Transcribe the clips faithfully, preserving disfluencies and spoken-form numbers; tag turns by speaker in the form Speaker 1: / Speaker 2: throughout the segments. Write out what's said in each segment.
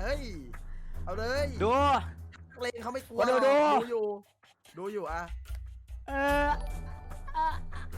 Speaker 1: ฮ้ยเอาเลย
Speaker 2: ดู
Speaker 1: เลงเขาไม่กลัว
Speaker 2: ดูดู
Speaker 1: ดูอยู่ดูอยู่อ่ะ
Speaker 2: เออเออ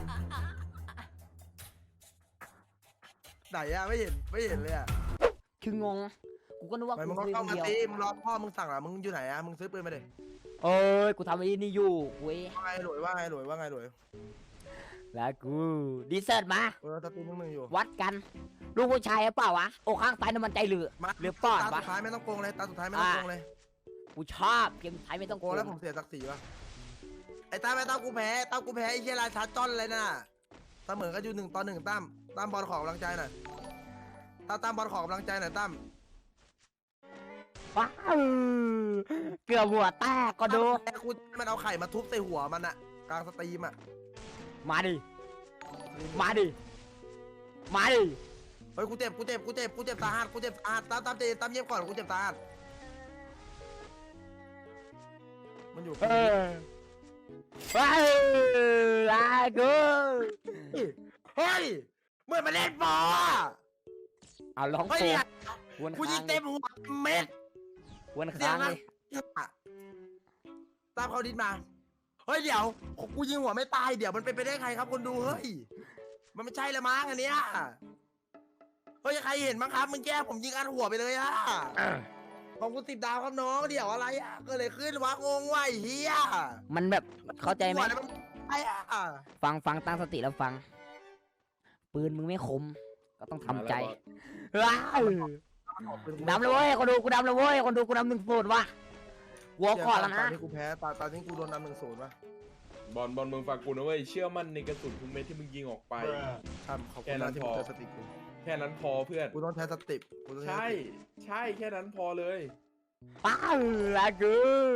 Speaker 1: ไหนอะไม่เห็นไม่เห็นเลยอะ
Speaker 2: คืองงกูก็นึกว่า
Speaker 1: ไป
Speaker 2: กู
Speaker 1: มึงก็
Speaker 2: ซื้อ
Speaker 1: เข้า
Speaker 2: คน
Speaker 1: มา
Speaker 2: เดียว
Speaker 1: ตีมึงรอพ่อมึงสั่งอะมึงอยู่ไหนอะมึงซื้อปืนมาดิ
Speaker 2: เอ้ยกูทำไอ้นี่อยู่เว้ย
Speaker 1: ว่าไงหลวยว่าไงหลวยว่าไงหลวย
Speaker 2: แล้วกูดีเซิร์ตมา
Speaker 1: เออตะตีมึงมึงอยู่
Speaker 2: วัดกันลูกผู้ชายหรือเปล่าวะอกข้างซ้ายน้ำมันใจเหลือ
Speaker 1: มา
Speaker 2: หรือป้อน
Speaker 1: ตา
Speaker 2: วะ
Speaker 1: สุดท้ายไม่ต้องโกงเลยตาสุดท้ายไม่ต้องโกงเลย
Speaker 2: กูชอบเกมไทยไม่ต้อง
Speaker 1: โกงแล้วผมเสียศักดิ์ศรีวะไอ้ตั้มไอ้ตั้มกูแพ้ตั้มกูแพ้ไอ้เชี่ยราชาจ้อนเลยน่ะเสมอก็อยู่หนึ่งต่อหนึ่งตั้มตั้มบอลขอกำลังใจหน่อยตั้มตั้มบอลขอกำลังใจหน่อยตั้ม
Speaker 2: ว้าวเกือบหัวแตกก็ดู
Speaker 1: แพ้กูมันเอาไข่มาทุบใส่หัวมันอะกลางสตรีมอะ
Speaker 2: มาดิมาดิมาดิ
Speaker 1: เฮ้ยกูเจ็บกูเจ็บกูเจ็บกูเจ็บตาหัดกูเจ็บตาหัดตั้มตั้มเจตั้มเยี่ยมก่อนกูเจ็บตาหัดมันอยู่
Speaker 2: เออว้าวลากู
Speaker 1: เฮ้ยเมื่อมาเล่นบอล
Speaker 2: เอาร้อง
Speaker 1: เฮ้ย
Speaker 2: โฟ
Speaker 1: เนี่ย
Speaker 2: วน
Speaker 1: กูยิ
Speaker 2: ค้าง ง
Speaker 1: เต็มหัวเม็ด
Speaker 2: วน
Speaker 1: เสีย
Speaker 2: ค้าง ง
Speaker 1: นะ
Speaker 2: เลย
Speaker 1: ตามเขาดินมาเฮ้ยเดี๋ยวกูยิงหัวไม่ตายเดี๋ยวมันเป็นไปได้ใครครับคนดูเฮ้ยมันไม่ใช่ละมั้งอันเนี้ยเฮ้ยใครเห็นมั้งครับมึงแก้ผมยิงอัดหัวไปเลยอะของกูสิบดาวครับน้องเดี๋ยวอะไรอะเก็เลยขึ้นวะงงว่ะไอ้เฮีย
Speaker 2: มันแบบเข้าใจไหม
Speaker 1: หัวแล้วนไอ้อะ
Speaker 2: ฟังฟังตั้งสติแล้วฟัง ปืนมึงไม่คม ก็ต้องทำใจว้าวดำเลยเว้ยคนดูกูดำเลยเว้ยคนดูกูดำหนึ่งศูนย์ว่ะหัวก่อนแล้ว
Speaker 1: ตอ
Speaker 2: นะ
Speaker 1: นนี้กูแพ้ตอนตอนนี้กูโดนนำหนึ่งศูนย์วะ
Speaker 3: บอลบอลมึงฟังกูนะเว้ยเชื่อมั่นในกระสุนทุกเม็ดที่มึงยิงออกไป
Speaker 1: ทำขอบคุณนะที่มึงเจอสติกู
Speaker 3: แค่นั้นพอเพื่อน
Speaker 1: กูต้องใช้สติกูต้องใช้
Speaker 3: ใช่
Speaker 1: สติ
Speaker 3: ใช่แค่นั้นพอเลย
Speaker 2: ป้าวลากู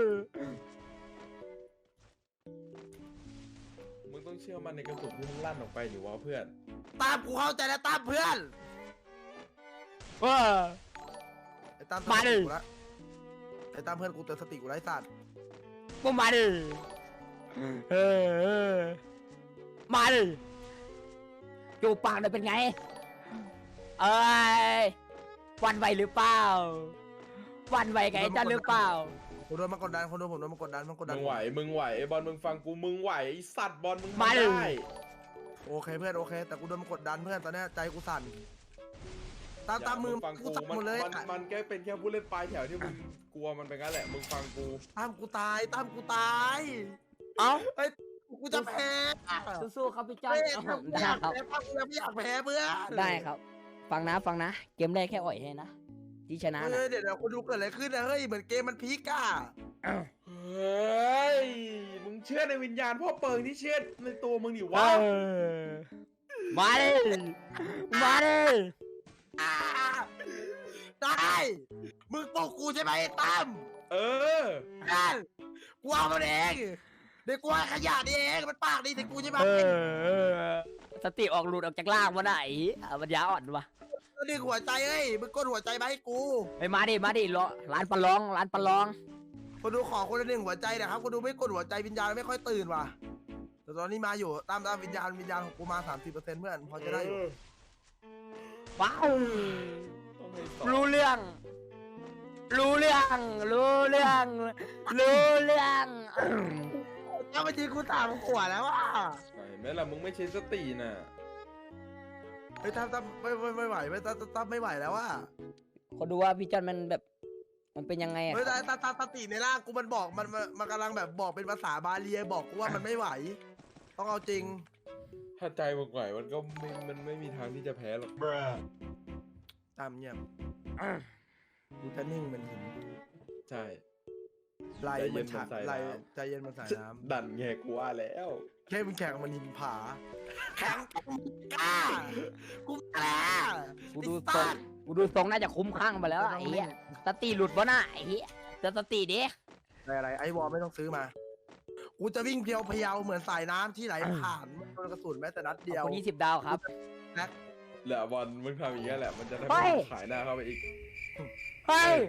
Speaker 3: มึงต้องเชื่อมั่นในกระสุนที่มึงลั่นออกไปหรือว่าเพื่อน
Speaker 1: ตามกูเข้าใจแล้วตามเพื่อน
Speaker 2: ว้า
Speaker 1: ไอ้ตาม
Speaker 2: มาดิ
Speaker 1: กูละไอ้ตามเพื่อนกูเตือนสติกูไร้สัตว์
Speaker 2: มึงมาดิเออเออมาดิจูบปากเลยเป็นไง เอ้ยวันไหวหรือเปล่าวันไหวไงจ้าหรือเปล่า
Speaker 1: ผมโดนมากดดันคนดูผมโดนมากดดันมันกดดั
Speaker 3: มึ
Speaker 1: น
Speaker 3: งไหวมึงไหวไอ้บอลมึงฟังกูมึงไหวไอ้สัตว์บอลมึง
Speaker 2: มา
Speaker 3: ทำ
Speaker 2: ดิ
Speaker 3: ได้
Speaker 1: โอเคเพื่อนโอเค แต่กูโดนมากดดันเพื่อนตอนเนี้ยใจกูสั่นตาม
Speaker 3: อย่
Speaker 1: ตามมือ
Speaker 3: ฟัง
Speaker 1: กู
Speaker 3: กู
Speaker 1: สั่น
Speaker 3: มัน
Speaker 1: หมดเลย
Speaker 3: มันมันแค่เป็นแค่ผู้เล่นปลายแถวที่มึงกลัวมันเป็นงั้นแหละมึงฟังกู
Speaker 1: ตามกูตายตามกูตาย
Speaker 2: เอ้า
Speaker 1: เฮ้ยกูจะแพ้
Speaker 2: สู้ๆครับพี่จ้า
Speaker 1: เฮ้ย
Speaker 2: ได้
Speaker 1: อยาก
Speaker 2: ครับ
Speaker 1: แพ้ป้ากูยังไม่อยากแพ้เพื่อน
Speaker 2: ได้ครับ ฟังนะฟังนะ เกมแรกแค่อ่อยให้นะที่ชนะ
Speaker 1: เฮ้
Speaker 2: นะ
Speaker 1: ยเดี๋ยวเดี๋ยวคนดูเกิดอะไรขึ้นนะเฮ้ยเหมือนเกมมันพีกอะ
Speaker 3: เฮ้ยมึงเชื่อในวิญญาณพ่อเปิงที่เชื่อในตัวมึงดิวะ
Speaker 2: เออมาดิมาดิ
Speaker 1: อ่าได้มึงปลุกกูใช่ไหมไอ้ตั้ม
Speaker 3: เออ
Speaker 1: นั่นกูเอามันเองเดี๋ยวกูให้ขยะนี่เองมันปากดีแต่กูใช่ไหม
Speaker 2: เออเออสติออกหลุดออกจากล่างวะไหนอ่ะมันยาอ่อนวะ
Speaker 1: ดึงหัวใจเอ้ยมึงกดหัวใจมาให้กู
Speaker 2: ไปมาดิมาดิรอร้านปลาลองร้านปลาลอง
Speaker 1: คนดูขอคนละหนึ่งหัวใจนะครับคนดูไม่กดหัวใจวิญญาณไม่ค่อยตื่นว่ะแต่ตอนนี้มาอยู่ตามตามวิญญาณวิญญาณของกูมาสามสิบเปอร์เซ็นต์เพื่อนพอจะได้อยู่
Speaker 2: ว้าว
Speaker 3: ต้องให้สอง
Speaker 2: รู้เรื่อง รู้เรื่อง รู้เรื่อง รู้เรื่อง
Speaker 1: ถ้ามาจริงกูสามขวดแล้วอ่ะ
Speaker 3: เห็นไหมล่ะมึงไม่ใช้สติน่ะ
Speaker 1: เฮ้ยตามตามไม่ไม่ไม่ไหวไม่ตามตามไม่ไหวแล้วอ่ะ
Speaker 2: คนดูว่าพี่จันมันแบบ มันเป็นยังไงอะ
Speaker 1: เฮ้ยตาตาตาสติในร่างกูมันบอกมันมันมันกำลังแบบบอกเป็นภาษาบาลีบอกกูว่ามันไม่ไหว ต้องเอาจริง
Speaker 3: ถ้าใจมึงไหวมันก็ไม่มันไม่มีทางที่จะแพ้หรอก
Speaker 1: ตามเงียบกูจะนิ่งเป็นหิน
Speaker 3: ใช่
Speaker 1: ไหลเหมันฉะ
Speaker 3: ใจเย็นเหมือนสาย
Speaker 1: ไหล
Speaker 3: น้ำ
Speaker 1: ใจเย็นเหมันสายน้
Speaker 3: ดันแงกูว่าแล้ว
Speaker 1: ำแค่มึงแข่งมันหินผาแข่งกูกล้ากูแล้
Speaker 2: กูดูทรงกูดูทรงน่าจะคุ้มข้างไปแล้วไอ้เหี้ยสติหลุดวะน่ะไอ้เหี้ยเตือนสติดิ
Speaker 1: อะไรอะไรไอ้วอลไม่ต้องซื้อมา กูจะวิ่งเพียวพยาวเหมือนสายน้ำที่ไหลผ่านไม่โดนกระสุนแม้แต่นัด
Speaker 2: ข
Speaker 1: เดี
Speaker 2: อบ
Speaker 1: ยว
Speaker 2: คุณยี่สิบดาวครับ
Speaker 3: เหลือบอลมึงทำอย่างนี้ยแหละมันจะได้
Speaker 2: เฮ้
Speaker 3: ไม่
Speaker 2: ย
Speaker 3: ต้องขายหน้าเข้าไปอีก
Speaker 2: เฮ้ย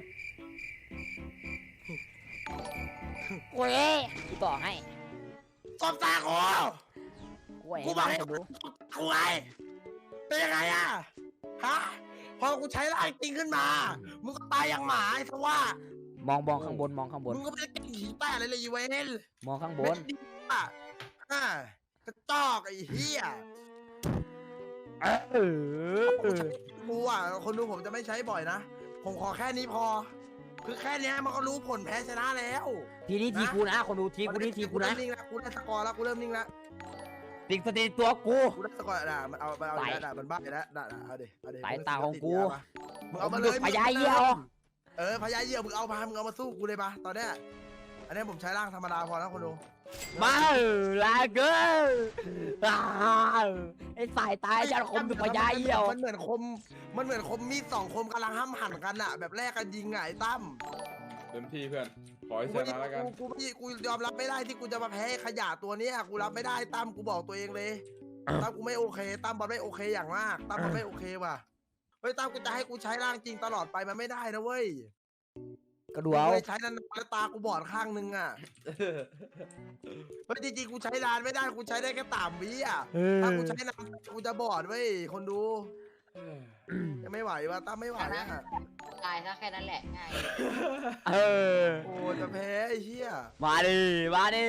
Speaker 2: กูเอ้กูต่อให้
Speaker 1: ตบตากู
Speaker 2: กูให้
Speaker 1: กูบอก
Speaker 2: ให้
Speaker 1: ให้
Speaker 2: ดู
Speaker 1: กูไงเป็นยังไงอะฮะพอกูใช้ร่างจริงขึ้นมามึงก็ตายอย่างหมาไอ้สว่าม
Speaker 2: องมองข้างบนมองข้างบน
Speaker 1: มึงก็ไม่ได้เก่งขี้แตะอะไรเลยอีเวน
Speaker 2: มองข้างบ
Speaker 1: เม็
Speaker 2: น
Speaker 1: ดดีอ่ะอ่ากระจอกไอ้เหี้ย
Speaker 2: เออ
Speaker 1: กูอ่ะคนดูผมจะไม่ใช้บ่อยนะผมขอแค่นี้พอ คือแค่เนี้ยมันก็รู้ผลแพ้ชนะแล้ว
Speaker 2: ทีนี้ทีกูนะคนดูทีกูนี่ทีกูนะ
Speaker 1: เริ่มนิ่งแล้วกูได้สกอร์แล้วกูเริ่มนิ่งแล้ว
Speaker 2: ติงสติตัวกู
Speaker 1: กูได้สกอร์ด่ามันเอามันเอา
Speaker 2: ไหล
Speaker 1: ด่ามันบ้าแล้วด่าด่าเอาดิเอาดิ
Speaker 2: สายตาของกู
Speaker 1: มึงเอามา
Speaker 2: มึง
Speaker 1: เล
Speaker 2: ดู
Speaker 1: ย
Speaker 2: พญาเยี่ยว
Speaker 1: เออพญาเยี่ยวมึงเอามามึงเอามาสู้กูเลยปะตอนเนี้ยอันนี้ผมใช้ร่างธรรมดาพอแล้วคนดู
Speaker 2: มาลาเกอร์ไอ้สายตาจะคมดูพญาเยี่ยว
Speaker 1: มันเหมือนคมมันเหมือนคมมีดสองคมกำลังห้ามหันกันอะแบบแรกกันยิงไงไอ้ตั้ม
Speaker 3: เต็มที่เพื่อนขอให้ช
Speaker 1: กู
Speaker 3: นะแล้วกัน
Speaker 1: กูกูกูยอมรับไม่ได้ที่กูจะมาแพ้ขยะตัวเนี้ยกูรับไม่ได้ตั้มกูบอกตัวเองเลยตั้มกูไม่โอเคตั้มบอลไม่โอเคอย่างมากตั้มบอลไม่โอเคว่ะเฮ้ยตั้มกูจะให้กูใช้ร่างจริงตลอดไปมันไม่ได้นะเว้ย
Speaker 2: ก็ดูเอา
Speaker 1: กูเลยใช้นานๆแล้วตากูบอดข้างนึงอ่ะเฮ้ยจริงๆกูใช้นานไม่ได้กูใช้ได้แค่สามวิอ่ะถ้ากูใช้นานกูจะบอดเว้ยคนดูจะไม่ไหวว่ะตั้มไม่ไหวอ่ะ
Speaker 4: ตายซะแค่นั้นแหละง่าย
Speaker 2: เออ
Speaker 1: โอ้จะแพ้ไอ้เหี้ย
Speaker 2: มาดิมาดิ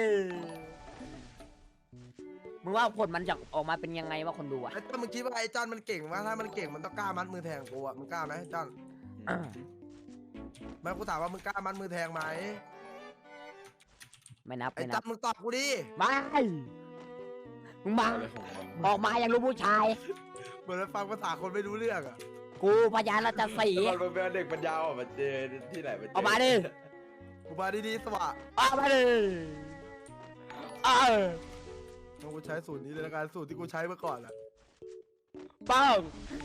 Speaker 2: มึงว่าผลมันจะออกมาเป็นยังไงวะคนดูอะ
Speaker 1: ไอ้ตั้มมึงคิดว่าไอ้จอนมันเก่งวะถ้ามันเก่งมันต้องกล้ามัดมือแทงกูอ่ะมึงกล้าไหมจอนไม่กูถามว่ามึงกล้ามัดมือแทงไหม
Speaker 2: ไม่นับ
Speaker 1: ไอ้
Speaker 2: ไม่
Speaker 1: จ
Speaker 2: นั
Speaker 1: อบ นมึงตอบกูดิ
Speaker 2: ไม่มึงมา
Speaker 3: อะไรของมัน
Speaker 2: ออกมาอย่างรู้ผู้ชาย
Speaker 1: เหมือนมันฟังภาษาคนไม่รู้เรื่องอ่ะ
Speaker 2: กูพยานราชสี
Speaker 3: แล้วมันเป็นเด็กปัญญาอ่อนมาเจอที่ไหนมาเจอ
Speaker 2: ออกมาดิ
Speaker 1: กูมาดีๆสวะ
Speaker 2: ออกมาดิเออ
Speaker 1: งั้นกูใช้สูตรนี้เลยละกันสูตรที่กูใช้เมื่อก่อนอ่ะ
Speaker 2: ป้อง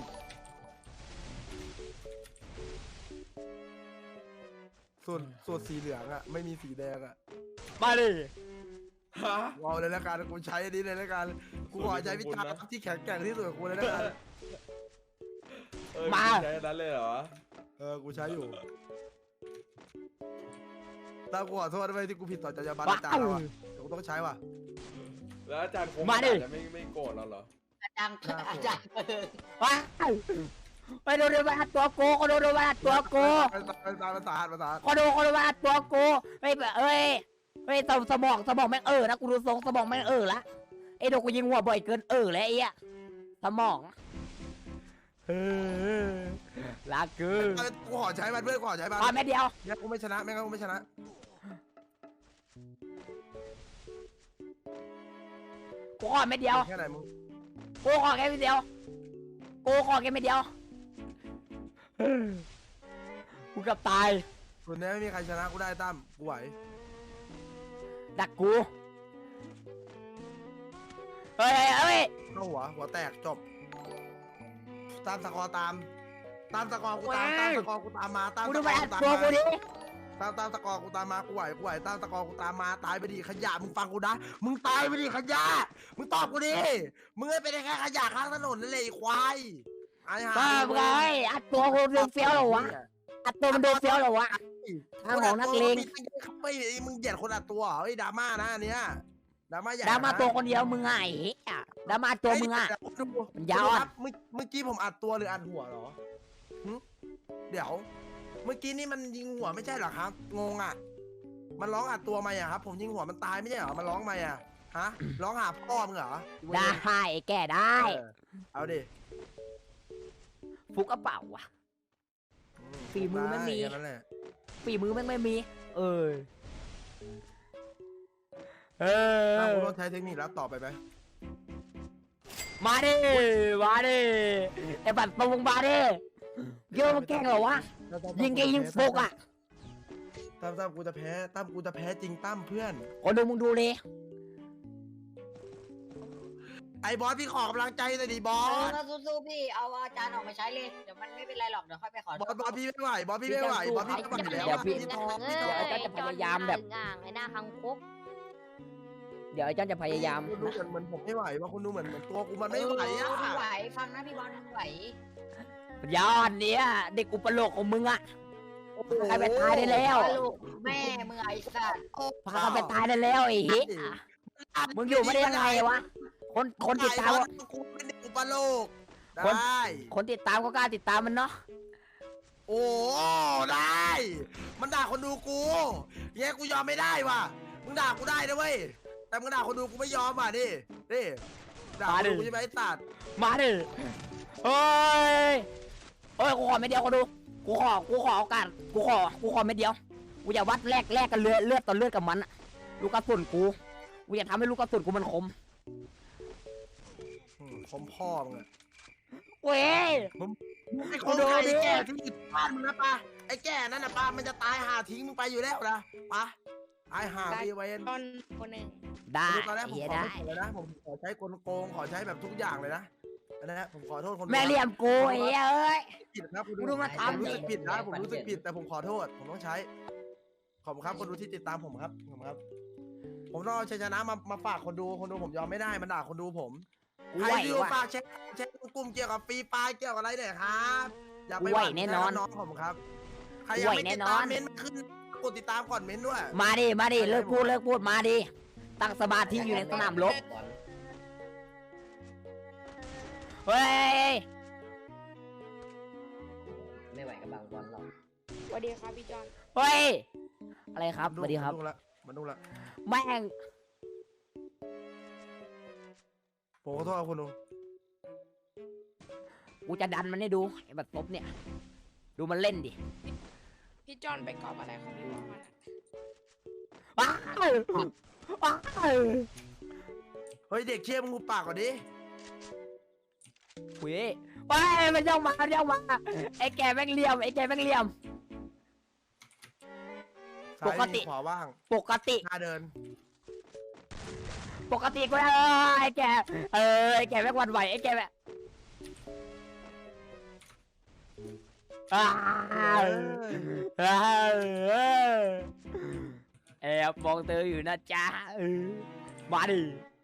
Speaker 1: สูตรสูตรสีเหลืองอ่ะไม่มีสีแดงอ่ะ
Speaker 2: มาดิ
Speaker 3: ฮะ
Speaker 1: กูเอาเลยละกันกูใช้อันนี้เลยละกันกูขอใช้วิชาที่แข็งแกร่งที่สุดของกูเลยละกัน
Speaker 3: เออใช้นั้นเลยเหรอ
Speaker 1: เออกูใช้อยู่ตามกูขอโทษด้วยที่กูผิดต่อจรรยาบรรณ
Speaker 2: ว้า
Speaker 1: อาจารย์
Speaker 2: ว
Speaker 1: เราอ่ะเดี๋ยวกูต้องใช้ว่ะ
Speaker 3: แล้วอาจารย์คง
Speaker 2: มาดิ
Speaker 3: จะไม่ไม่โกรธเราเหรอ
Speaker 4: อาจารย์อาจารย์เออ
Speaker 2: ว้าวไปดูดูมาตัวกูคนดูดูมาตัวกู
Speaker 1: ภาษาภาษาภาษาภาษา
Speaker 2: คนดูคนดูมาตัวกูเฮ้ยเอ้ยเฮ้ยสสมองสมองแม่งเออนะกูดูทรงสมองแม่งเออละไอ้โดกูยิงหัวบ่อยเกินเออแล้วไอ้อะสมองเออลาเกอร์
Speaker 1: กูขอใช้มันเพื่อนกูขอใช้มัน
Speaker 2: พอแม่เดียว
Speaker 1: เนี่ยกูไม่ชนะไม่งั้นกูไม่ชนะ
Speaker 2: กูขอแม่เดียว
Speaker 1: แค่ไหนมึง
Speaker 2: กูขอแค่เดียวกูขอแค่ไม่เดียวเออกูเกับตาย
Speaker 1: ส่วนนี้ไม่มีใครชนะกูได้ตั้มกูไหว
Speaker 2: ดักกูเฮ้ยเฮ้ย
Speaker 1: เข้าหัวหัวแตกจบตามสกอร์ตามตามสกอร์กูตามตามสกอร์กูตามมาตาม
Speaker 2: กู
Speaker 1: ส
Speaker 2: ดู
Speaker 1: ก
Speaker 2: ไป
Speaker 1: อร์
Speaker 2: อั
Speaker 1: กู
Speaker 2: ด
Speaker 1: ตาม
Speaker 2: ตัวกู
Speaker 1: มา
Speaker 2: ดิ
Speaker 1: ตามตามสกอร์กูตามมากูไหวกูไหวตามสกอร์กูตามมาตายไปดิขยะมึงฟังกูนะมึงตายไปดิขยะมึงตอบกูดิมึงไม่เป็นแค่ขยะข้างถนนนั่นเลยไอ้ควายไอ้ห่า
Speaker 2: บ้าไงอัดตัวกูดูเฟี้ยวเหรอวะอัดตัวมันดูเฟี้ยวเหรอวะทางของนักเลง
Speaker 1: ไม่มึงเหยียดคนอัดตัวเหรอไอ้ดราม่านะอันเนี้ยดราม่าใหญ่
Speaker 2: ดราม่าตัวคนเดียวมึงไงอ่ะดราม่าตัวมึงอ่ะ มันยาวอะ
Speaker 1: ครับเมื่อเมื่อกี้ผมอัดตัวหรืออัดหัวเหรอหึเดี๋ยว เมื่อกี้นี่มันยิงหัวไม่ใช่เหรอครับ งงอ่ะ มันร้องอัดตัวมาอ่ะครับ ผมยิงหัวมันตายไม่ใช่เหรอ มันร้องมาอ่ะ ฮะ ร้องหาพ่อมึงเหรอ
Speaker 2: ได้แก่ได้
Speaker 1: เออเอาดิ
Speaker 2: ฟุกกระเป๋าว่ะ ฝีมือไม่มี
Speaker 1: แค่นั้นแหละ
Speaker 2: ฝีมือแม่งไม่มี เออเอ
Speaker 1: ถ้า
Speaker 2: อ
Speaker 1: คุณต้องใช้เทคนิคแล้วต่อไปไหม
Speaker 2: มาดิมาดิไอ้บัตรตรงมาดิเยอะมันแกล้งเหรอวะยิงแกยิงฟุกอ่ะ
Speaker 1: ตั้มตั้มกูจะแพ้ ตั้มกูจะแพ้จริงตั้มเพื่อน
Speaker 2: คนดูมึงดูเลย
Speaker 1: ไอ้บอสพี่ขอกำลังใจหน่อยดิบอ
Speaker 4: เออ
Speaker 1: ส
Speaker 4: ถ้าสู้ๆพี่เอาอาจารย์ออกมาใช้เลยเดี๋ยวมันไม่เป็นไรหรอกเดี๋ยวค่อยไปขอบ
Speaker 1: อสบอสพี่ไม่ไหว บอสพี่ไม่ไหว บอสพี่ไม่ไหวแล้ว
Speaker 2: เดี๋ยวพี่
Speaker 1: พี่
Speaker 2: เ
Speaker 1: ท้อง
Speaker 2: ดี๋
Speaker 1: พี่
Speaker 2: ยว
Speaker 1: ท้อง
Speaker 2: ไอ้เจ้าจะพยายามแบบ
Speaker 5: อ่างไอ้หน้าคังคก
Speaker 2: เดี๋ยวไอ้เจ้าจะพยายาม
Speaker 1: คุณดูเหมือนเหมือนผมไม่ไหวว่าคุณดูเหมือนเหมือนตัวกูมันไม่ไหวอ่ะ
Speaker 4: เไม่ไหวฟังนะพี่บอลไม่ไหว
Speaker 2: ยอดเนี่ยเด็กอุปโลกของมึงอ่ะพาไปตายได้แล้ว
Speaker 4: ลูกแม่มึงไอ้สัตว์
Speaker 2: พาไปตายได้แล้วไอ้เหี้ยมึงอยู่ไม่ได้ยังไงวะคนคนติดตาม
Speaker 1: กูเป็นเด็กอุปโลก
Speaker 2: คน
Speaker 1: ได้
Speaker 2: คนติดตามก็กล้าติดตามมันเนาะ
Speaker 1: โอ้โอ้ได้ มันด่าคนดูกูเงี้ยกูยอมไม่ได้ว่ะมึงด่ากูได้นะเว้ยแต่มึงด่าคนดูกูไม่ยอมว่ะนี่นี่ด่าคนดูกูใช่ไหมไอ้สัตว์
Speaker 2: มาดิเฮ้ยเฮ้ยกูขอไม่เดียวคนดูกูขอกูขอโอกาสกูขอกูขอไม่เดียวกูอย่าวัดแลกแลกกันเลือดเลือดต่อเลือดกับมันอะลูกกระสุนกูกูอยากทำให้ลูกกระสุนกูมันคม
Speaker 1: อืมคมพ่อมึงอะ
Speaker 2: เว้ย
Speaker 1: ไอ้คนไอ้แก่ที่อยู่บ้านมึงนะปะไอ้แก่นั่นนะปะมันจะตายหาทิ้งมึงไปอยู่แล้วนะปะตายหาไปเว้น
Speaker 4: ตอนคนหนึ่ง
Speaker 2: ได้
Speaker 1: ตอนแรกผม
Speaker 2: เหี้ย
Speaker 1: ขอ
Speaker 2: ได้
Speaker 1: ไม่เลยนะผมขอใช้กลโกงขอใช้แบบทุกอย่างเลยนะอันนะผมขอโทษคนดู
Speaker 2: แม่เหลี่ยมกูไอ้เหี้ยเอ้ย
Speaker 1: ผิดนะคุณ
Speaker 2: กูดูมา
Speaker 1: ผม
Speaker 2: ทำ
Speaker 1: รู้สึกผิดนะผมรู้สึกผิดแต่ผมขอโทษผมต้องใช้ขอบคุณครับคนดูที่ติดตามผมครับขอบคุณครับ ผมต้องเอาชัยชนะมามาฝากคนดูคนดูผมยอมไม่ได้มันด่าคนดูผม
Speaker 2: กู
Speaker 1: ใคร
Speaker 2: ไหว
Speaker 1: ที่
Speaker 2: ว่ะ
Speaker 1: ฝากแชร์แชร์กลุ่มเกี่ยวกับฟรีไฟล์เกี่ยวกับอะไรเนี่ยครับอย่าไป
Speaker 2: ไหว
Speaker 1: หวั่
Speaker 2: แน่นอน
Speaker 1: น้องผมครับใครยังไม่
Speaker 2: ไหวแน่
Speaker 1: ติด
Speaker 2: นอ
Speaker 1: ตาน มเม้นต์มาขึ้นกดติดตามก่อนเม้นต์ด้วย
Speaker 2: มาดิมาดิเลิกพูดเลิกพูดมาดิตั้งสมาธิอยู่ในสนามรบเฮ้ย
Speaker 5: ไม่ไหวกับบางบอลหรอก
Speaker 4: สวัสดีครับพี่จอน
Speaker 2: เฮ้ยอะไรครับสวัสดีครับ
Speaker 1: มันดูละมันดูละ
Speaker 2: แม่ง
Speaker 1: ผมขอโทษครับคุณดู
Speaker 2: กูจะดันมันให้ดูไอ้บัตรตบเนี่ย ดูมันเล่นดิ
Speaker 4: พี่จอนไปกอบอะไรของพี่วอมันอะ
Speaker 2: ว้าวว้าว
Speaker 1: เฮ้ยเด็กเชี่ยมึงหูปากก่อนดิ
Speaker 2: เว้ยว้ายมันย่องมามันย่องมาไอ้แกแม่งเหลี่ยมไอ้แกแม่งเหลี่ยม ปกติ
Speaker 1: ซ้ายมีขวาว่าง
Speaker 2: ปกติ
Speaker 1: หน้าเดิน
Speaker 2: ปกติกูเออไอ้แกเออไอ้แกแม่งหวันไหวไอ้แกแม่งอ้าว
Speaker 1: เอ้ย
Speaker 2: เออแอบมองเธออยู่นะจ๊ะเออมาดิ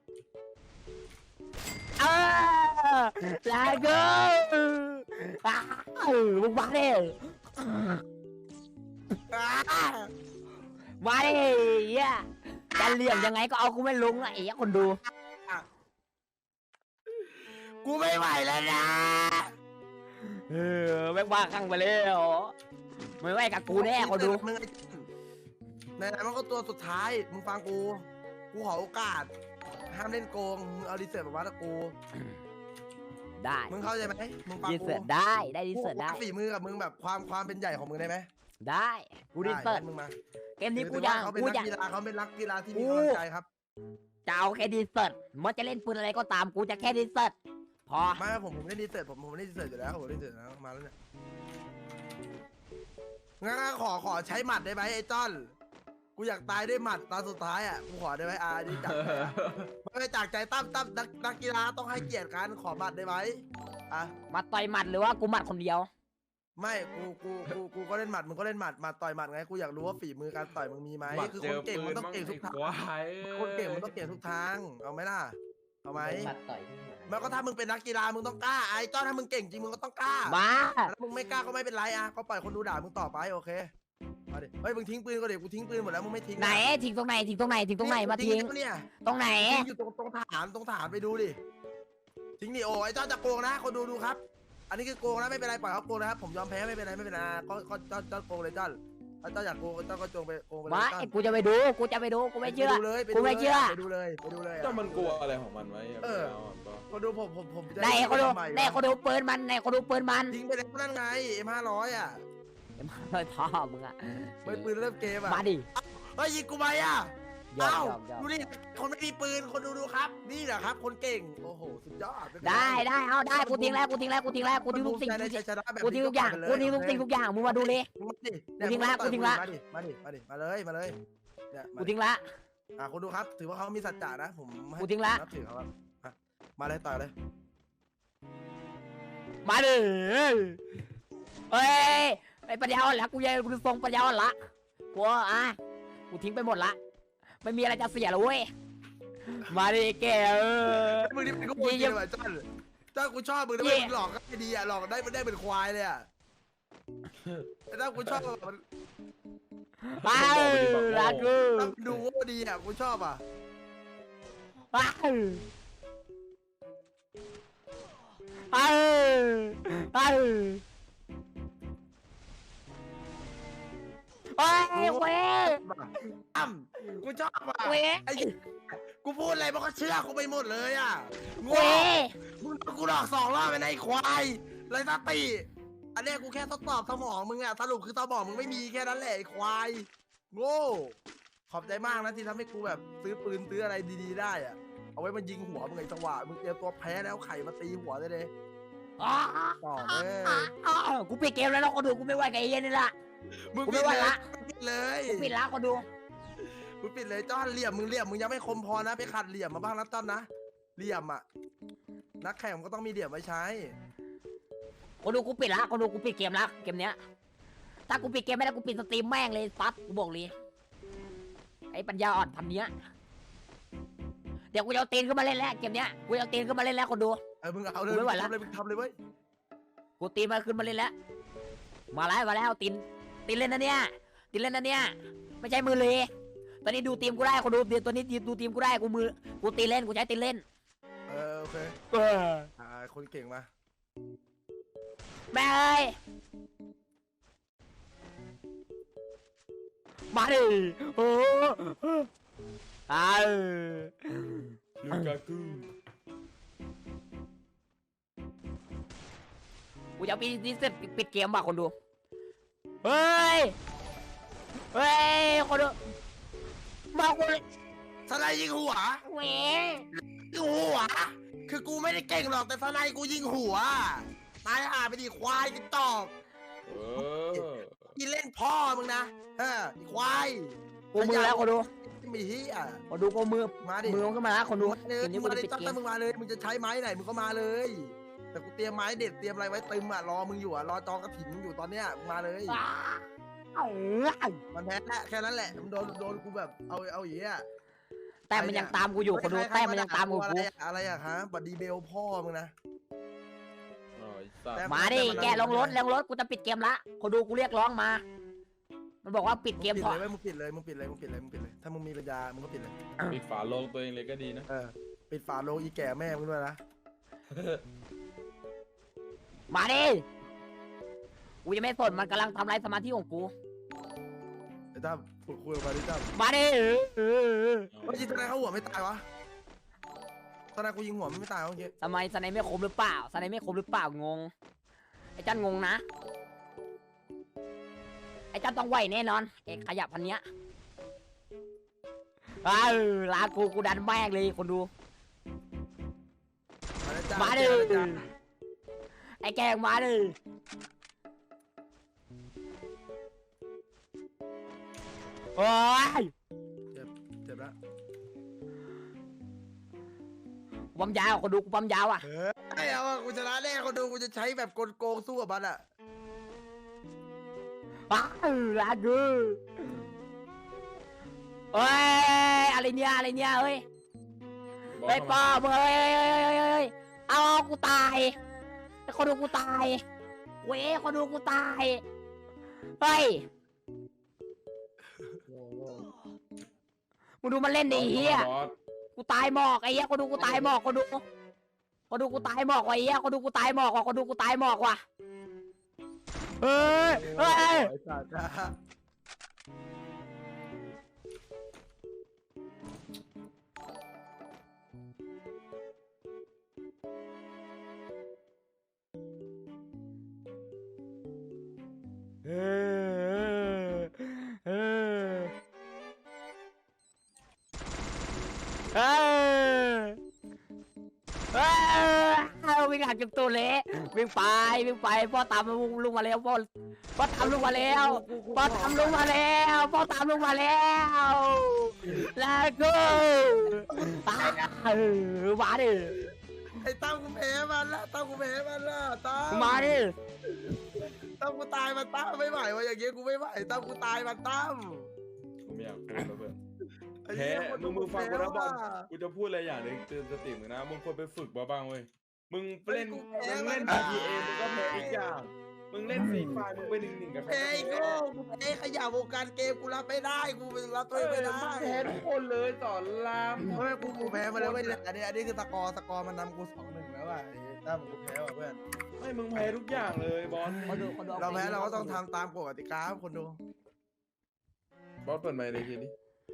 Speaker 2: เออลาโก้อ้าวมึงมาดิ
Speaker 1: อ่า
Speaker 2: มาดิเหี้ยจะเหลี่ยมยังไงก็เอากูไม่ลงอ่ะไอ้เหี้ยคนดู
Speaker 1: กูไม่ไหวแล้วนะ
Speaker 2: เออแม่งบ้าข้างไปแล้วไม่ไหวกับกูแน่คนดู
Speaker 1: มึงไอ้ไหนๆมันก็ตัวสุดท้ายมึงฟังกูกูขอโอกาสห้ามเล่นโกงมึงเอาดีเซอร์แบบว่าตะกู
Speaker 2: ได้
Speaker 1: มึงเข้าใจไหมมึงฟัง
Speaker 2: ดี
Speaker 1: กู
Speaker 2: เสิร์ตได้ได้ดี
Speaker 1: กู
Speaker 2: เสิร์ตได้
Speaker 1: ฝีมือกับมึงแบบความความเป็นใหญ่ของมึงได้ไหม
Speaker 2: ได้กูดีเสิร์ต
Speaker 1: ได้มึงมา
Speaker 2: เกมนี้กู
Speaker 1: ถือ
Speaker 2: อยา
Speaker 1: ว่าก เขาเป็น
Speaker 2: กู
Speaker 1: นัก
Speaker 2: อยาก
Speaker 1: กีฬาเขาเป็นนักกีฬาที่มี
Speaker 2: กู
Speaker 1: กำลังใจครับ
Speaker 2: จะเอาแค่ดีเสิร์ตมันจะเล่นปืนอะไรก็ตามกูจะแค่ดีเสิร์ตพอ
Speaker 1: ไม่ผมผมเล่นดีเซอร์ผมผมเล่นดีเซอร์อยู่แล้วผมเล่นดีเซอร์แล้วมาแล้วเนี่ยงั้นขอขอใช้หมัดได้ไหมไอ้จ้อนกูอยากตายด้วยหมัดตอนสุดท้ายอ่ะกูขอได้ไหมอาดีจักใจอะไม่จากใจตั้มตั้มนักนักกีฬาต้องให้เกียรติกันขอหมัดได้ไหมอ่ะ
Speaker 2: มาต่อยหมัดหรือว่ากูหมัดคนเดียว
Speaker 1: ไม่กูกูกูกูก็เล่นหมัดมึงก็เล่นหมัดหมัดต่อยหมัดไงกูอยากรู้ว่าฝีมือการต่อยมึงมีไหม
Speaker 3: หมัด
Speaker 1: คือ
Speaker 3: เจ
Speaker 1: คน
Speaker 3: อ
Speaker 1: เก่ง
Speaker 3: ปื
Speaker 1: มัน
Speaker 3: น
Speaker 1: ต้อง
Speaker 3: มั่ง
Speaker 1: เก่งทุ
Speaker 3: ไอ้
Speaker 1: กทาง
Speaker 3: ควาย
Speaker 1: คนเก่งมันต้องเก่งทุกทางเอาไหมล่ะเอาไหม
Speaker 5: บัดต่อยที่หมา
Speaker 1: แล้วก็ถ้ามึงเป็นนักกีฬามึงต้องกล้าไอ้จ้อนถ้ามึงเก่งจริงมึงก็ต้องกล้า
Speaker 2: มา
Speaker 1: ถ้ามึงไม่กล้าก็ไม่เป็นไรอ่ะก็ปล่อยคนดูด่ามึงต่อไปโอเคมาดิเฮ้ยมึงทิ้งปืนก็เดี๋ยวกูทิ้งปืนหมดแล้วมึงไม่ทิ้ง
Speaker 2: ไหนทิ้งตรงไหนทิ้งตรงไหนทิ้งตรงไหนมาทิ้ง
Speaker 1: เนี่ย
Speaker 2: ตรงไหน
Speaker 1: ทิ้งอยู่ตรงตรงฐานตรงฐานไปดูดิทิ้งดิโอ้ไอ้จ้อนจะโกงนะคนดูดูครับ อันนี้คือโกงนะไม่เป็นไรปล่อยเขาโกงนะครับผมยอมแพ้ไม่เป็นไรไม่เป็นไรก็ก็จ้อนจ้อนโกงเลยจ้อนถ้าจ้อนอยากโกงจ้อนก็จงไปโกงไปเลย
Speaker 2: มา
Speaker 1: จ้อน
Speaker 2: ไอ้กูจะไปดูกูจะไปดูกูไม่เชื่อ
Speaker 1: ปดูเลยป
Speaker 2: กู
Speaker 1: ดู
Speaker 2: ไม่
Speaker 1: เลย
Speaker 2: เชื่อ
Speaker 1: ไปดูเลยไปดูเลย
Speaker 3: เจ้ามันกลัวอะไรของมันไว้
Speaker 1: เออ คนดูผมผมผมจะ
Speaker 2: ไหนเขาดู
Speaker 1: ทำไมวะ
Speaker 2: ไหนเขาดูปืนมันไหนเขาดูปืนมัน
Speaker 1: ทิ้งไปแล้วนั่นไงเอ็มห้าร้อยอ่ะ
Speaker 2: เลยท่อมึงอะ
Speaker 1: ไปปืนเริ่มเกมอ่ะ
Speaker 2: มาดิ
Speaker 1: เฮ้ยยิงกูไปอ่ะ
Speaker 2: ยอม
Speaker 1: เอ้าย
Speaker 2: อมยอม
Speaker 1: ดูดิคนไม่มีปืนคนดูดูครับ นี่แหละครับ คนเก่งโอ้โหสุดยอดม่เป็นร
Speaker 2: ได้ได้เอาได้กูทิ้งแล้วกูทิ้งแล้วกูทิ้งแล้วกูทิ้งทุกสิ่ง
Speaker 1: มันภูมิใจในชัยชนะแบบ
Speaker 2: กูทิ้งทุกอย่างกูทิ้งทุกสิ่งทุกอย่างมึงมาดูเลย
Speaker 1: มึงมาดิ
Speaker 2: กูทิ้งละกูทิ้งละ
Speaker 1: มาดิมาดิมาดิมาเลยมาเลยเนี่ยมา
Speaker 2: กู
Speaker 1: ดิ
Speaker 2: ทิ้งละ
Speaker 1: อ่ะคนดูครับ ถือว่าเขามีสัจจะนะผมให้
Speaker 2: กูทิ้งละ
Speaker 1: นับถือเขาครับอ่ะมาเลยต่อยเลย
Speaker 2: มาดิเฮ้ยไอ้ปัญญาอ่อนละกูยังกูทรงปัญญาอ่อนละกูอ่ะกูทิ้งไปหมดละไม่มีอะไรจะเสียแล้วเว้ยมาดิแกเออ
Speaker 1: มึงนี่เป็นกูจริงเลยว่ะจ้อนจ้อนกูชอบมึงนะ
Speaker 2: เย่
Speaker 1: มึงหลอกก็ไม่ดีอ่ะหลอกได้มันได้เป็นควายเลยอ่ะแต่ถ้ากูชอบมัน
Speaker 2: ไปรักกู
Speaker 1: ถ้ามันดูว่าดีอ่ะกูชอบอ่ะ
Speaker 2: ไปไปไปเฮ้ยเว้ย
Speaker 1: อ้ำกูชอบว่ะ
Speaker 2: เว้ย
Speaker 1: ไอ้กูพูดอะไรมันก็เชื่อกูไปหมดเลยอ่ะโง่
Speaker 2: เว้ย
Speaker 1: มึงกูหลอกสองรอบไปในไอ้ควายไรสติอันเนี้ยกูแค่ทดสอบสมองมึงอ่ะสรุปคือสมองมึงไม่มีแค่นั้นแหละไอ้ควายโง่ขอบใจมากนะที่ทำให้กูแบบซื้อปืนซื้ออะไรดีๆได้อ่ะเอาไว้มันยิงหัวมึงไอ้จังหวะมึงเตรียมตัวแพ้แล้วไข่มาตีหัวได้เลย
Speaker 2: อ๋อ
Speaker 1: ต่อเอ้ย
Speaker 2: อ๋อกูปิดเกมแล้วนะคนดูกูไม่ไหวกับไอ้เหี้ยนี่ละ
Speaker 1: มึง
Speaker 2: กู
Speaker 1: ปิ
Speaker 2: ไม่
Speaker 1: ด
Speaker 2: ไหว
Speaker 1: เลย
Speaker 2: ละ
Speaker 1: ปิดเลย
Speaker 2: กูปิดละคนดู
Speaker 1: มึงปิดเลยจ้อนเหลี่ยมมึงเหลี่ยมมึงยังไม่คมพอนะไปขัดเหลี่ยมมาบ้างนะจ้อนนะเหลี่ยมอ่ะนักแข่งมันก็ต้องมีเหลี่ยมไว้ใช้
Speaker 2: คนดูกูปิดละคนดูกูปิดเกมละเกมเนี้ยถ้ากูปิดเกมไม่ได้กูปิดสตรีมแม่งเลยปั๊บกูบอกเลยไอ้ปัญญาอ่อนพันเนี้ยเดี๋ยวกูจะเอาตีนขึ้นมาเล่นแล้วเกมเนี้ยกูจะเอาตีนขึ้นมาเล่นแล้วคนดู
Speaker 1: เออมึงเอาเลย
Speaker 2: กูไม่ไหวละ
Speaker 1: ทำเลยมึงทำเลยเว้ย
Speaker 2: กูตีนมาขึ้นมาเล่นแล้วมาแล้วมาแล้วตีนตีนเล่นนะเนี่ยตีนเล่นนะเนี่ยไม่ใช่มือเลยตอนนี้ดูทีมกูได้คนดูเดี๋ยวตัวนี้ดูทีมกูได้กูมือกูตีนเล่นกูใช้ตีนเล่น
Speaker 1: เออโอเค
Speaker 2: เออ
Speaker 1: อ่าคนเก่งมา
Speaker 2: แม่เอ้ยมาดิโอ้อ้าว
Speaker 3: ลูกากู
Speaker 2: กูจะเอาปีนี้เสร็จปิดเกมว่ะคนดูเฮ้ยเฮ้ยคนดูมากูเลย
Speaker 1: สไนยิงหัว
Speaker 2: เว้ย
Speaker 1: ยิงหัว คือกูไม่ได้เก่งหรอกแต่สไนกูยิงหัวตายห่าไปดิควายกินตอก
Speaker 3: เออ
Speaker 1: กินเล่นพ่อมึงนะเออไอ้ควาย
Speaker 2: กูมือแล้วคนดู
Speaker 1: มีเฮีย
Speaker 2: คนดูกูมือ
Speaker 1: มาดิ
Speaker 2: มือมันขึ้นมาแล้วคนดู
Speaker 1: มาเลย
Speaker 2: เกมนี้
Speaker 1: มึ
Speaker 2: กู
Speaker 1: งมา
Speaker 2: จะ
Speaker 1: เลย
Speaker 2: ปิด
Speaker 1: จ้อง
Speaker 2: เก
Speaker 1: แต่
Speaker 2: ม
Speaker 1: มึงมาเลยมึงจะใช้ไม้ไหนมึงก็มาเลย แต่กูเตรียมไม้เด็ดเตรียมอะไรไว้ตึมอ่ะรอมึงอยู่อ่ะรอจองกระถิ่นมึงอยู่ตอนเนี้ยมึงมาเลย
Speaker 2: อ้าว
Speaker 1: มันแพ้แหละแค่นั้นแหละมันโดนโดนกูแบบเอาเอาอย่างเงี้ย
Speaker 2: แต่มันยังตามกูอยู่คนดู
Speaker 1: ใรๆ
Speaker 2: แต่มันยังตามกู
Speaker 1: อะไร
Speaker 2: กู
Speaker 1: อะอะไรอะฮะบัดดีเบลพ่อมึงนะ
Speaker 3: อ๋อไอ้สัต
Speaker 1: แต่
Speaker 3: ว์
Speaker 2: มาดิแกลงรถลงรถกูจะปิดเกมละคนดูกูเรียกร้องมา มันบอกว่าปิดเกม
Speaker 1: ปิด
Speaker 2: พอ
Speaker 1: เลยเว้ยมึงปิดเลยมึงปิดเลยมึงปิดเลยมึงปิดเลยถ้ามึงมีปัญญามึงก็ปิดเลย
Speaker 3: ปิดฝาโลงตัวเองเลยก็ดีนะ
Speaker 1: เออปิดฝาโลงอีแก่แม่มึงด้วยนะ
Speaker 2: มาดิกูจะไม่สนมันกำลังทำลายสมาธิของกู
Speaker 1: ไอ้ตั้มคุยคุยออกมาดิตั้ม
Speaker 2: มาดิเออเออเออ
Speaker 1: เมื่อกี้ทนายเขาหัวไม่ตายวะทนายกูยิงหัวมันไม่ตายวะเมื่อกี้
Speaker 2: ทำไมสไนไม่ครบหรือเปล่าสไนไม่ครบหรือเปล่างงไอ้จันงงนะไอ้จันต้องไหวแน่นอนเอกขยับพันเนี้ยเออลากูกูดันแม่งเลยคนดู
Speaker 1: มาแล้วจ้า
Speaker 2: มาดิ
Speaker 1: แล้วจ้า
Speaker 2: ไอ้แกงมาดิโอ้ย
Speaker 1: เจ็บแล้ว
Speaker 2: กูปั๊มยาวคนดูกูปั๊มยาวอ่ะ
Speaker 1: เฮ้ยไม่เอาอะกูชนะแน่คนดูกูจะใช้แบบกลโกงสู้กับมันอะ
Speaker 2: อ้าวลากูเอ้ยอะไรเนี่ยอะไรเนี่ยเฮ้ย
Speaker 3: บอ
Speaker 2: เฮ้ย
Speaker 3: ก
Speaker 2: ป้อ
Speaker 3: เข้ามา
Speaker 2: มึงเฮ้ยเฮ้ยเฮ้ยเฮ้ยเฮ้ยเอากูตายไอ้คนดูกูตายเว้ยคนดูกูตายเฮ้ย
Speaker 5: โง่โง่
Speaker 2: มึงดูมันเล่นดิเฮีย
Speaker 3: บอส
Speaker 2: กูตายหมอกไอ้เหี้ยคนดูกูตายหมอกคนดูคนดูกูตายหมอกว่ะไอ้เหี้ยคนดูกูตายหมอกว่ะคนดูกูตายหมอกว่ะเฮ้ยเฮ้ย
Speaker 1: ไอ้สัตว์นะ
Speaker 2: เออเออเออเออวิ่งหักจนตัวเละวิ่งไปวิ่งไปพ่อตามลุงมาแล้วพ่อพ่อตามลุงมาแล้วพ่อตามลุงมาแล้วพ่อตามลุงมาแล้วแล้วก็เออมาดิ
Speaker 1: ไอ้ตั้มกูแพ้มันละตั้มกูแพ้มันละตั้ม
Speaker 2: มาดิ
Speaker 1: ตั้มกูตายมันตั้มไม่ไหววะอย่างเงี้ยกูไม่ไหวตั้มกูตายมันตั้ม
Speaker 3: ผมไม่อยากพูดแล้วเพื่อน
Speaker 1: ไอ้
Speaker 3: แพ้
Speaker 1: เหี้ยคน
Speaker 3: มึงมึงฟังกูนะบอล
Speaker 1: แพ้ว่ะ
Speaker 3: กูจะพูดอะไรอย่างหนึงเตือนสติมึงนะมึงควรไปฝึกมาบ้างเว้ยมึงเล่น
Speaker 1: กูแพ้
Speaker 3: มึงเล่น
Speaker 1: มัน
Speaker 3: พีเอมึงก็แพ้อีกอย่างมึงเล่นฟรีไฟมึงไปหนึ่งหนึ่งกับใคร
Speaker 1: แพ้ไอ้
Speaker 3: ก็
Speaker 1: โง่
Speaker 3: แพ้
Speaker 1: กูแพ้ขยะวงการเกมกูรับไม่ได้กูรับตัว
Speaker 3: เอ
Speaker 1: เอง
Speaker 3: อ
Speaker 1: ไม่ได้
Speaker 3: มึงแพ้ทุกคนเลยสอนราม
Speaker 1: เฮ้ยกูกูแพ้มาแล้วเว้ยอันนี้อันนี้คือสกอร์สกอร์มันนำกูสองหนึ่งแล้วว่ะไอ้ตั้มกูแพ้ว่ะเพื่อน
Speaker 3: ไม่มึงแพ้ทุกอย่างเลยบอล
Speaker 2: คนดูคนดู
Speaker 1: เราแพ้เราก็ต้องทำตามกฎกติกาครับคนดู
Speaker 3: บอสเปิดไมค์เลยทีนี้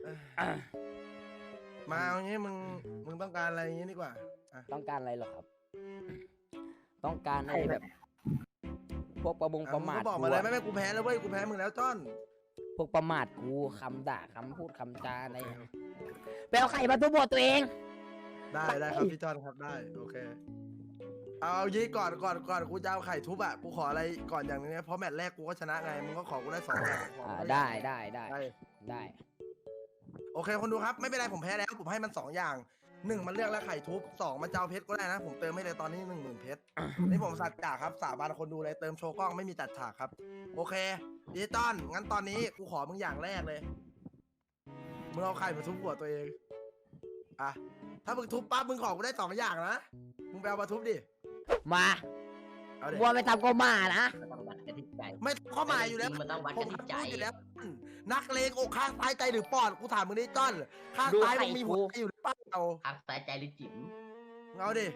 Speaker 1: มาเอางี้มึงมึงต้องการอะไรอย่างงี้ดีกว่าอ่ะ
Speaker 2: ต้องการอะไรหรอครับ ต้องการอะไรแบบ พวกประมง
Speaker 1: อ่ะ
Speaker 2: ประ
Speaker 1: มึง
Speaker 2: มาท
Speaker 1: ก็บอก
Speaker 2: กู
Speaker 1: มาเลย
Speaker 2: อะ
Speaker 1: ไม่ไม่กูแพ้แล้วเว้ยกูแพ้มึงแล้วจ้อน
Speaker 2: พวกประมาทกูคำด่าคำพูดคำจาอะไรไปเอาไข่มาทุบบทตัวเอง
Speaker 1: ได้ได้ครับพี่จ้อนครับได้โอเคเอาเอายี่ก่อนก่อนก่อนกูจะเอาไข่ทุบอ่ะกูขออะไรก่อนอย่างนึงนะเพราะแมตช์แรกกูก็ชนะไงมึงก็ขอกูได้สองอย่างขอ
Speaker 2: อ่า
Speaker 1: กู
Speaker 2: ได้ได้ได้
Speaker 1: ได้
Speaker 2: ได้
Speaker 1: โอเคคนดูครับไม่เป็นไรผมแพ้แล้วผมให้มันสองอย่างหนึ่งมันเลือกแล้วไข่ทุบสองมันจะเอาเพชรก็ได้นะ ผมเติมให้เลยตอนนี้หนึ่งหมื่นเพชร นี่ผมสัจจะครับสาบานคนดูเลยเติมโชว์กล้องไม่มีจัดฉากครับ โอเคดิจิตอลงั้นตอนนี้กูขอมึงอย่างแรกเลยมึงเอาไข่มาทุบหัวตัวเองอ่ะถ้ามึงทุบปั๊บมึงขอกูได้สองอย่างนะมึงไปเอามาทุบดิ
Speaker 2: มา
Speaker 1: เอาเด็
Speaker 2: วัวไปทำก็มานะ
Speaker 5: มันต้องวัดกันที่ใจ
Speaker 1: ไม่ข้อหมายอยู่แล้ว
Speaker 5: จริงๆมันต้องวัด
Speaker 1: ผ
Speaker 5: กัน
Speaker 1: ม
Speaker 5: ที่ใจ
Speaker 1: พูดอยู่แล้วนักเลงอกข้างซ้ายใจหรือปอดกูถามมึงดิจ้อนข้าง
Speaker 2: ดู
Speaker 1: ซ้าย
Speaker 2: ไข่
Speaker 1: มึงมี
Speaker 2: กู
Speaker 1: หัวใจอยู่หรือเปล่า
Speaker 5: พักสายใจหรือจิ๋ม
Speaker 1: เอาดิ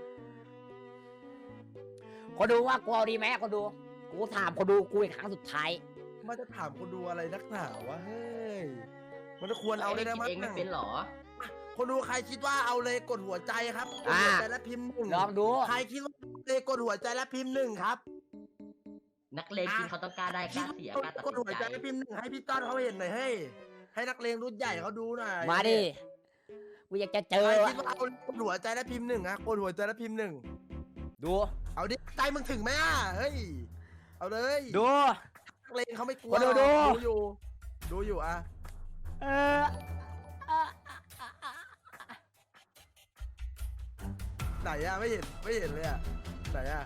Speaker 2: คนดูว่ากูเอาดีไหมคนดู กูถามคนดูกูอีกครั้งสุดท้าย
Speaker 1: มันจะถามคนดูอะไรนักหนาวะเฮ้ยมันจะควรเอาเลยนะ
Speaker 5: คิด
Speaker 1: มั้
Speaker 5: เองไม่เป็นหรอ
Speaker 1: คนดูใครคิดว่าเอาเลยกดหัวใจครับกด
Speaker 2: อ่า
Speaker 1: หัวใจและพิมพ์หนึ่ง
Speaker 2: ลองดู
Speaker 1: ใครคิดว่าเลยกดหัวใจและพิมพ์หนึ่งครับ
Speaker 5: นักเลงจริงเขาต้องกล้าได้ก
Speaker 1: คิ
Speaker 5: ล้า
Speaker 1: ด
Speaker 5: เสีย
Speaker 1: ว่าก
Speaker 5: ล้าตัด
Speaker 1: กด
Speaker 5: สิ
Speaker 1: หัวน ใจ
Speaker 5: ใจ
Speaker 1: และพิมพ์หนึ่งให้พี่ต้อนเขาเห็นหน่อยเฮ้ยให้นักเลงรุ่นใหญ่เขาดูหน่อย
Speaker 2: มาดิ กูอยากจะเจอ
Speaker 1: ใคร
Speaker 2: วะ
Speaker 1: คิดว่าเอากดหัวใจและพิมพ์หนึ่งอะกดหัวใจและพิมพ์หนึ่ง
Speaker 2: ดู
Speaker 1: เอาดิใจมึงถึงไหมอ่ะเฮ้ยเอาเลย
Speaker 2: ดู
Speaker 1: นักเลงเขาไม่กลัว
Speaker 2: คนดู
Speaker 1: หรอก
Speaker 2: ดู
Speaker 1: ดูอยู่ดูอยู่อะ
Speaker 2: เอออ่ะ
Speaker 1: ไหนอะไม่เห็นไม่เห็นเลยอะไหนอะ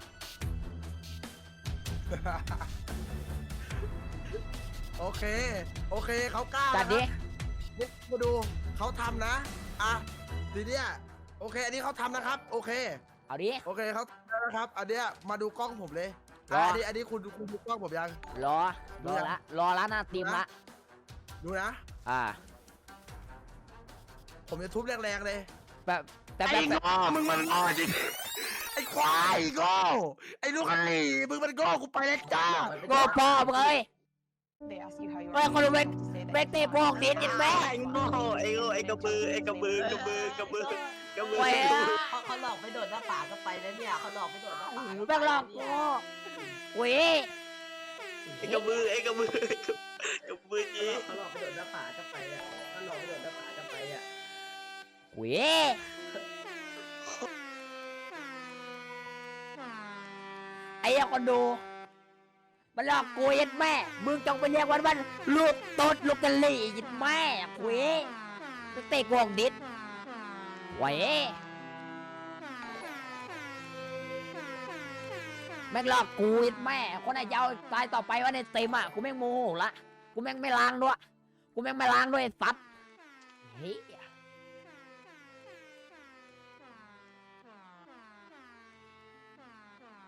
Speaker 1: โอเค โอเคเขากล้า
Speaker 2: จัดดิ
Speaker 1: นี่มาดูเขาทำนะอ่ะทีเนี้ยโอเค อันนี้เขาทำนะครับ โอเค
Speaker 2: เอาดิ
Speaker 1: โอเคเขาทำแล้วนะครับ อันเนี้ยมาดูกล้องผมเลย
Speaker 2: รอ
Speaker 1: อ่ะอันนี้อันนี้คุณคุณดูกล้องผมยัง
Speaker 2: รอ รอละ รอละหน้าตีมละ
Speaker 1: ดูนะ
Speaker 2: อ่า
Speaker 1: ผมจะทุบแรงๆเลย
Speaker 2: แบบแต่แบบ
Speaker 1: ไอ้โง่มึงมันโง่จริงไอ้ควายโง่ไอ้ลูกไอ้มึงมันโง่กูไปแล้วจ้า
Speaker 2: โง่พ่อมึงเอ้ย
Speaker 6: They ask you how you
Speaker 2: เฮ้ย
Speaker 6: are.
Speaker 2: คนดูเบก
Speaker 6: to say that
Speaker 2: เบกเตะพวกนิดยินแม่
Speaker 7: ไอ้โง่ไอ้โง่ไอ้กระบือไอ้กระบือกระบือกระบือกระบือ
Speaker 2: เว้ย
Speaker 5: เขาเขาหลอกไม่โดดหน้าผาก็ไปแล้วเนี่ยเขาหลอกไม่โดดหน้าผา
Speaker 2: แม่งหลอกกูเว้ย
Speaker 7: ไอ้กระบือไอ้กระบือกระบือจี
Speaker 5: เขาหลอกไม่โดดหน้าผาก็ไปอ่ะเขาหลอกไม่โดดหน้าผาก็ไปอ่ะ
Speaker 2: เว้ยไอ้เหี้ยคนดู มันหลอกกูยัดแม่ มึงจงไปเรียกวันวันลูกตดลูกกะหลี่ยัดแม่เว้ยเตะกวงดิดเว้ยแม่งหลอกกูยัดแม่ คนไหนจะเอาตายต่อไปว่าในเต็มอ่ะ กูแม่งโมโหละ กูแม่งไม่ล้างด้วย กูแม่งไม่ล้างด้วยไอ้สัตว์เฮ้ย